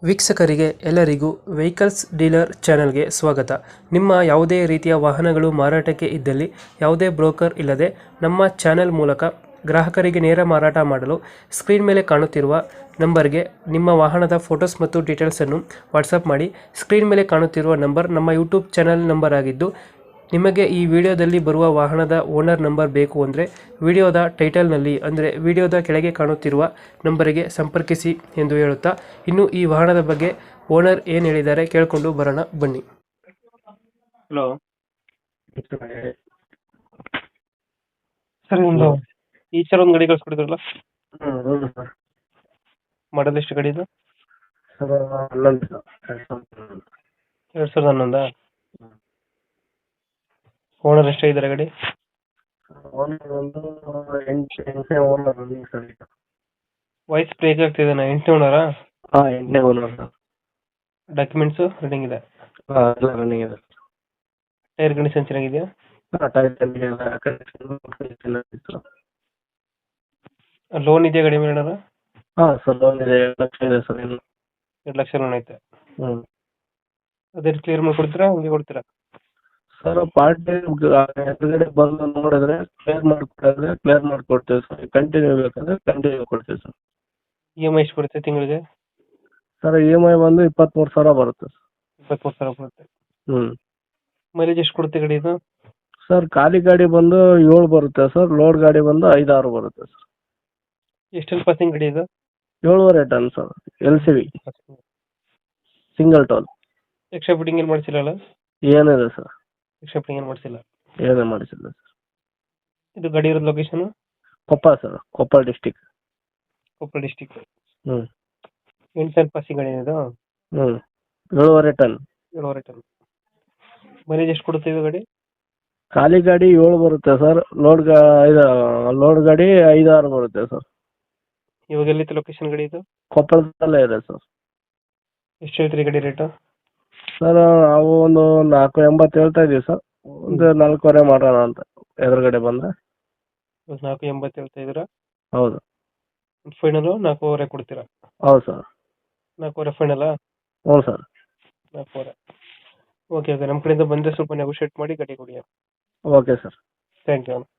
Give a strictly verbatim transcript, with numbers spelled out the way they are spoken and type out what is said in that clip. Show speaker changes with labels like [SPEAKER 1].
[SPEAKER 1] ವೀಕ್ಷಕರಿಗೆ ಎಲ್ಲರಿಗೂ vehicles dealer ಚಾನೆಲ್ಗೆ ಸ್ವಾಗತ. ನಿಮ್ಮ ಯಾವುದೇ ರೀತಿಯ ವಾಹನಗಳು ಮಾರಾಟಕ್ಕೆ ಇದ್ದಲ್ಲಿ ಯಾವುದೇ ಬ್ರೋಕರ್ ಇಲ್ಲದೆ ನಮ್ಮ ಚಾನೆಲ್ ಮೂಲಕ ಗ್ರಾಹಕರಿಗೆ ನೇರ ಮಾರಾಟ ಮಾಡಲು ಸ್ಕ್ರೀನ್ ಮೇಲೆ ಕಾಣುತ್ತಿರುವ ನಂಬರ್ಗೆ ನಿಮ್ಮ ವಾಹನದ ಫೋಟೋಸ್ ಮತ್ತು ಡೀಟೇಲ್ಸನ್ನು ವಾಟ್ಸಪ್ ಮಾಡಿ. ಸ್ಕ್ರೀನ್ ಮೇಲೆ ಕಾಣುತ್ತಿರುವ ನಂಬರ್ ನಮ್ಮ ಯೂಟ್ಯೂಬ್ ಚಾನೆಲ್ ನಂಬರ್ ಆಗಿದ್ದು, ನಿಮಗೆ ಈ ವಿಡಿಯೋದಲ್ಲಿ ಬರುವ ವಾಹನದ ಓನರ್ ನಂಬರ್ ಬೇಕು ಅಂದರೆ ವಿಡಿಯೋದ ಟೈಟಲ್ನಲ್ಲಿ ಅಂದರೆ ವಿಡಿಯೋದ ಕೆಳಗೆ ಕಾಣುತ್ತಿರುವ ನಂಬರಿಗೆ ಸಂಪರ್ಕಿಸಿ ಎಂದು ಹೇಳುತ್ತಾ, ಇನ್ನು ಈ ವಾಹನದ ಬಗ್ಗೆ ಓನರ್ ಏನು ಹೇಳಿದ್ದಾರೆ ಕೇಳಿಕೊಂಡು ಬರೋಣ ಬನ್ನಿ. ಹಲೋ ಸರ್, ಒಂದು ಈ ಸಲ ಒಂದು ಗಾಡಿ ಕಳಿಸ್ಕೊಡಿದ್ರಲ್ಲ,
[SPEAKER 2] ಹೌದು ಸರ್.
[SPEAKER 1] ಮಾಡಲ್ ಎಷ್ಟು ಗಾಡಿ ಇದು?
[SPEAKER 2] ಸರ್ ಹನ್ನೊಂದು ಸರ್,
[SPEAKER 1] ಎರಡು ಸಾವಿರದ ಹನ್ನೊಂದಾ? ಓನರ್ ಎಷ್ಟಾಗಿದ್ದಾರೆ ಗಾಡಿ?
[SPEAKER 2] ಓನರ್ ಒಂದು ಎಂಟು ಎಂಟನೇ ಓನರ್ ರನ್ನಿಂಗ್ ಸರ್ ಈಗ.
[SPEAKER 1] ವಾಯ್ಸ್ ಬ್ರೇಕ್ ಆಗ್ತಿದೆ. ಎಂಟನೇ ಓನರಾ?
[SPEAKER 2] ಹಾಂ, ಎಂಟನೇ ಓನರ್ ಸರ್.
[SPEAKER 1] ಡಾಕ್ಯುಮೆಂಟ್ಸು ರನ್ನಿಂಗ್ ಇದೆ?
[SPEAKER 2] ಹಾಂ, ಎಲ್ಲ ರನ್ನಿಂಗ್ ಇದೆ.
[SPEAKER 1] ಟೈರ್ ಕಂಡೀಷನ್ ಚೆನ್ನಾಗಿದೆಯಾ?
[SPEAKER 2] ಹಾಂ, ಟೈರ್ ಕಂಡೀಷನ್ ಇತ್ತು.
[SPEAKER 1] ಲೋನ್ ಇದೆಯಾ ಗಾಡಿ ಮೇಲೆ ಏನಾರ?
[SPEAKER 2] ಹಾಂ ಸರ್, ಲೋನ್ ಇದೆ. ಎರಡು ಲಕ್ಷ ಇದೆ ಸರ್ ಇನ್ನು.
[SPEAKER 1] ಎರಡು ಲಕ್ಷ ಲೋನ್ ಐತೆ.
[SPEAKER 2] ಹ್ಞೂ
[SPEAKER 1] ಅದೇ ಕ್ಲಿಯರ್ ಮಾಡಿ ಕೊಡ್ತೀರಾ, ಹಂಗೆ ಕೊಡ್ತೀರಾ?
[SPEAKER 2] ಸರ್, ಪಾರ್ಟಿ ಎದುರುಗಡೆ ಬಂದು ನೋಡಿದ್ರೆ ಕ್ಲಿಯರ್ ಮಾಡಿಕೊಡಿದ್ರೆ ಕ್ಲಿಯರ್ ಮಾಡಿಕೊಡ್ತೀವಿ ಸರ್. ಕಂಟಿನ್ಯೂ ಬೇಕಂದ್ರೆ ಕಂಟಿನ್ಯೂ ಕೊಡ್ತೀವಿ ಸರ್.
[SPEAKER 1] ಇ ಎಮ್ ಐ ಎಷ್ಟು ಬರುತ್ತೆ ತಿಂಗಳಿಗೆ?
[SPEAKER 2] ಸರ್, ಇ ಎಮ್ ಐ ಬಂದು ಇಪ್ಪತ್ತ್ಮೂರು ಸಾವಿರ ಬರುತ್ತೆ ಸರ್.
[SPEAKER 1] ಇಪ್ಪತ್ತ್ಮೂರು ಸಾವಿರ ಬರುತ್ತೆ.
[SPEAKER 2] ಹ್ಞೂ
[SPEAKER 1] ಮೈಲೇಜ್ ಎಷ್ಟು ಕೊಡುತ್ತೆ ಗಾಡಿ ಇದು?
[SPEAKER 2] ಸರ್, ಖಾಲಿ ಗಾಡಿ ಬಂದು ಏಳು ಬರುತ್ತೆ ಸರ್. ಲೋಡ್ ಗಾಡಿ ಬಂದು ಐದಾರು ಬರುತ್ತೆ ಸರ್.
[SPEAKER 1] ಎಷ್ಟೆಲ್ಲ ಪಾಸಿಂಗ್ ಗಾಡಿ ಇದು?
[SPEAKER 2] ಏಳುವರೆ ton sir, L C V single toll.
[SPEAKER 1] Extra fitting ಏನು ಮಾಡಿಸಿಲ್ಲ?
[SPEAKER 2] ಏನಿದೆ ಸರ್,
[SPEAKER 1] ಎಕ್ಸ್ಟ್ರಾ ಫಿಟ್ಟಿಂಗ್ ಏನು ಮಾಡಿಸಿಲ್ಲ?
[SPEAKER 2] ಏನೇ ಮಾಡಿಸಿಲ್ಲ ಸರ್.
[SPEAKER 1] ಇದು ಗಾಡಿ ಇರೋದು location?
[SPEAKER 2] Koppal sir, Koppal district.
[SPEAKER 1] Koppal district.
[SPEAKER 2] ಹ್ಞೂ
[SPEAKER 1] ಎಂಟು ಸಾವಿರ ಪಾಸಿಂಗ್ ಗಾಡಿ ಇದು?
[SPEAKER 2] ಹ್ಞೂ ಏಳುವರೆ ಟನ್.
[SPEAKER 1] ಏಳುವರೆ ಟನ್. ಮೈಲೇಜ್ ಎಷ್ಟು ಕೊಡುತ್ತೆ ಇದು ಗಾಡಿ?
[SPEAKER 2] ಖಾಲಿ ಗಾಡಿ ಏಳು ಬರುತ್ತೆ ಸರ್. ಲೋಡ್ ಗಾ ಇದು ಲೋಡ್ ಗಾಡಿ ಐದಾರು ಬರುತ್ತೆ ಸರ್.
[SPEAKER 1] ಇವಾಗ ಎಲ್ಲಿತ್ತು ಲೊಕೇಶನ್ ಗಾಡಿ ಇದು?
[SPEAKER 2] ಕೊಪ್ಪಳದಲ್ಲೇ ಇದೆ ಸರ್.
[SPEAKER 1] ಎಷ್ಟು ಹೇಳ್ತೀರಿ ಗಾಡಿ ರೇಟು?
[SPEAKER 2] ಸರ್, ನಾವು ಒಂದು ನಾಲ್ಕು ಎಂಬತ್ತು ಹೇಳ್ತಾ ಇದ್ದೀವಿ ಸರ್. ಒಂದು ನಾಲ್ಕೂವರೆ ಮಾಡೋಣ ಅಂತ ಎದುರುಗಡೆ ಬಂದರೆ.
[SPEAKER 1] ನಾಲ್ಕು ಎಂಬತ್ತು ಹೇಳ್ತಾ ಇದ್ದೀರಾ?
[SPEAKER 2] ಹೌದು.
[SPEAKER 1] ಫೈನಲು ನಾಲ್ಕೂವರೆ ಕೊಡ್ತೀರಾ?
[SPEAKER 2] ಹೌದು ಸರ್.
[SPEAKER 1] ನಾಲ್ಕೂವರೆ ಫೈನಲ್ಲಾ?
[SPEAKER 2] ಹ್ಞೂ ಸರ್.
[SPEAKER 1] ನಾಲ್ಕೂವರೆ. ಓಕೆ ಓಕೆ, ನಮ್ಮ ಕಡೆಯಿಂದ ಬಂದರೆ ಸ್ವಲ್ಪ ನೆಗೋಷಿಯೇಟ್ ಮಾಡಿ ಗಾಡಿ ಕೊಡಿ.
[SPEAKER 2] Okay sir.
[SPEAKER 1] Thank you.